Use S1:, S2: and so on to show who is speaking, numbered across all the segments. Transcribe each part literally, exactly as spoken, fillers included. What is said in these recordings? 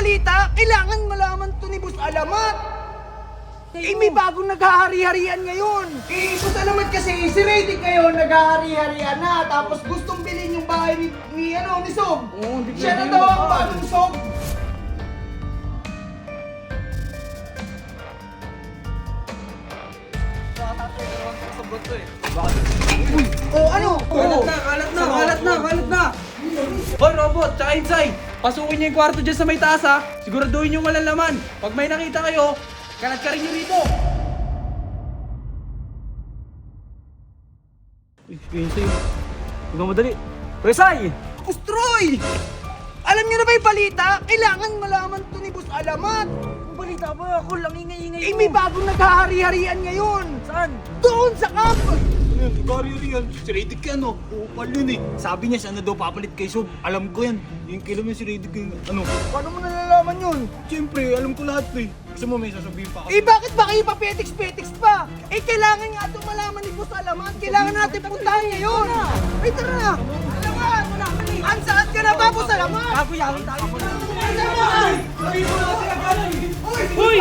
S1: balita, kailangan malaman to ni Boss Alamat. Eh, may bagong naghahari-harian ngayon. Eh, Boss Alamat kasi, si Redick ngayon naghahari-harian na. Tapos gustong bilhin yung bahay ni, ni ano, ni Sob.
S2: Oo, hindi
S1: Siya na
S2: pwede
S1: daw
S2: yun.
S1: ang bagong Sob. Oh, ano?
S2: Kalat na, kalat na, kalat na, kalat na! Hoy, Robot, tsaka Insay! Pasukin niyo yung kwarto dyan sa may taas ha! Siguraduhin niyo walang laman! Pag may nakita kayo, kalat ka rin niyo rito! Uy, Insay! Huwag kang madali! Presay!
S1: Boss Troy! Alam niyo na ba yung balita? Kailangan malaman to ni Boss Alamat.
S2: Ang balita ba? Ako lang ingay-ingay
S1: Eh, may bagong naghahari-harian ngayon.
S2: Saan?
S1: Doon sa camp.
S3: Ano yun? Ikaryo rin yan. Si Redick yan, oh. Upal yun eh. Sabi niya, siya na daw papalit kay Sob. Alam ko yan. Yung kilo mo si Redick yung ano.
S1: Paano mo nalalaman yun?
S3: Siyempre, alam ko lahat eh. Gusto mo may sasabihin pa ako.
S1: Eh, bakit ba kayo pa petiks-petiks pa? Eh, kailangan nga itong malaman ni Boss Alamat. Kailangan natin puntahan ngayon. Ay, tara na. Alamat! Ang saan ka na ba, Boss Alamat?
S2: Kaguyawan tayo!
S1: Alamat!
S2: Uy!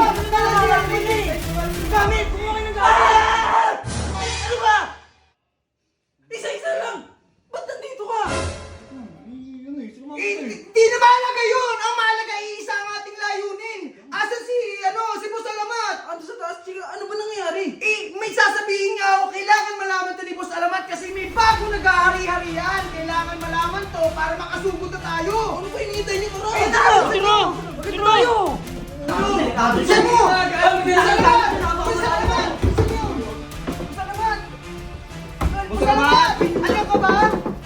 S1: Gamit! Kumuha ng gamit! Ano ba?
S2: Isa-isa lang! Ba't nandito ka?
S3: Ano eh, sino
S1: Eh, di na mahalaga yun! Ang mahalaga iisa ang ating layunin! Asan si, ano, si Boss Alamat?
S2: Ano sa taas, chika? Ano ba nangyayari?
S1: Eh, may sasabihin nga ako, kailangan malaman to ni Boss Alamat kasi may bago naghahari-harian. Kailangan malaman to para makasugod na tayo.
S2: Ano ba hinihintay niyo? Tara!
S1: Eh, tara!
S2: Tara! Bakit tayo?
S1: Bilisan mo! Boss Alamat! Boss Alamat! Boss Alamat! Boss Alamat! Ano ka ba?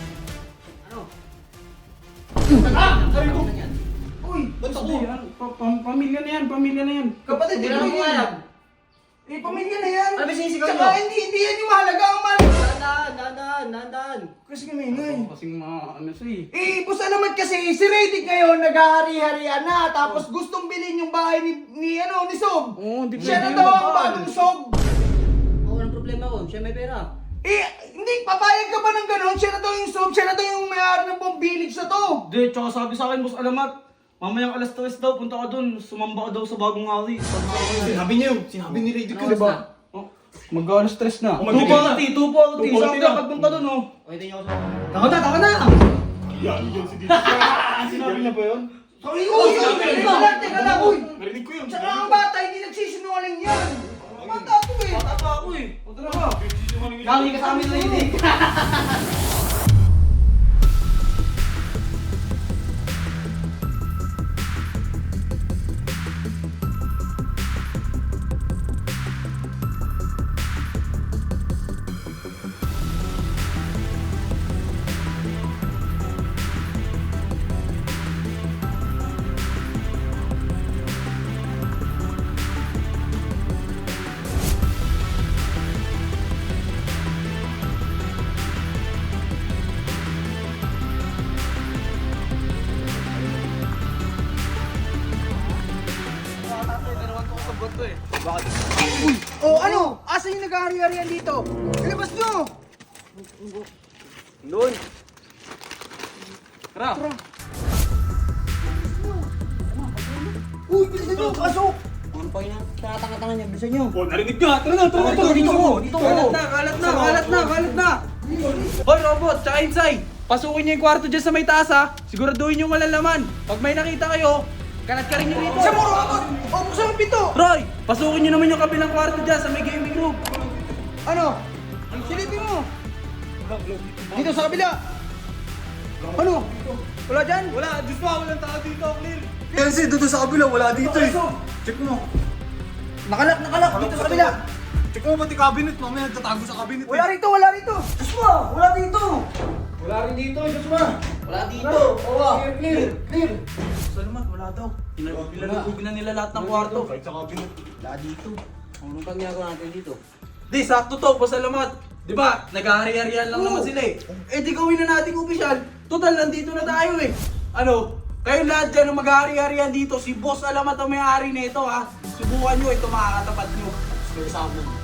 S1: Uy!
S3: Ba't ako?
S2: Pa- pa- Pamilya na yan, pamilya na yan.
S1: Kapatid, hindi mo yan. Eh, pamilya na yan.
S3: Ano ba sinisigaw
S1: Tsaka
S3: niyo?
S1: hindi, hindi yan yung mahalaga. Ang mahalaga.
S3: Dandan, dandan, dandan.
S1: Kasi kami ngayon.
S2: Kasing mga ano siya eh.
S1: Eh, Boss Alamat kasi, si Redick ngayon naghahari-harian na. Tapos gustong bilhin yung bahay ni, ni ano, ni Sob.
S2: Oo, hindi
S1: Siya na
S2: pwede
S1: daw
S2: yun.
S1: ang bagong Sob.
S4: Oo, walang problema ko. Siya may pera.
S1: Eh, hindi, papayag ka ba ng gano'n? Siya na daw yung Sob. Siya na daw yung may-ari ng buong village na to.
S2: Hindi, tsaka sabi sa akin, Boss Alamat, mamayang alas tres daw, punta ka dun, sumamba ka daw sa bagong hari. Sabi sa akin,
S3: Sinabi niya yun. Sinabi ni Redick yun,
S4: Ano
S3: di ba?
S4: oras
S2: oh, mag-alas tres na.
S3: Oh,
S2: Two
S3: mag-alas
S2: forty, two forty,
S3: two forty
S2: sabi ka
S3: na.
S2: pagpunta dun oh.
S4: Pwede niyo ako sa...
S2: Taka na, taka na!
S3: Yan, yan si Redick. Sinabi niya ba yun?
S1: Sorry, uy, uy, teka lang, teka lang, uy.
S3: Narinig ko yun.
S1: Tsaka ang bata, hindi nagsisinungaling yan. Bata to eh.
S2: Bata pa ako eh. Punta na ka.
S4: Lagi ka sa amin, Redick.
S1: Uy, oh ano? Asan yung naghahari-harian dito? Ilabas nyo!
S2: Doon. Tara.
S1: Uy, bilisan nyo, pasok!
S4: Ano pa yun? Tanga-tanga niya. Bilisan niyo.
S3: Oh, narinig niya. Tara na, tara na.
S4: Dito, dito ako. Dito ako.
S2: Kalat na, kalat na, kalat na, kalat na! Hoy, Robot, tsaka Insay! Pasukin niyo yung kwarto dyan sa may taas ha! Siguraduhin niyo walang laman! Pag may nakita kayo, kalat ka rin niyo rito!
S1: Siya mo, robot! O, buksan ang pinto!
S2: Roy! Pasukin niyo naman yung kabilang kwarto dyan sa may gaming room!
S1: Ano? Silipin mo! Dito sa kabila! Ano? Wala dyan?
S3: Wala, Diyos pa, walang tao dito, clear. Yan si, doon sa kabila, wala dito eh. Check mo.
S1: Nakalak, nakalak! Dito sa kabila!
S3: Check mo pati cabinet, mamaya nagtatago sa cabinet
S1: Wala rito, wala rito! Joshua! Wala dito!
S2: Wala rin dito, Joshua!
S4: Wala dito. Oo.
S1: Clear, clear, clear!
S2: Salamat, wala daw. Nilalugog na nila lahat ng kwarto.
S3: Kahit sa cabinet.
S4: Wala dito. Anong pang ginagawa natin dito?
S2: Di, sakto to, pasalamat. Di ba, nag-ahari-harian lang naman sila eh. Eh di gawin na natin opisyal. Total, nandito na tayo eh. Ano, kayo lahat dyan ang mag-ahari-harian dito. Si Boss Alamat ang may-ari nito ha. Subukan nyo, ito makakatapat nyo.
S3: Gusto sa amin.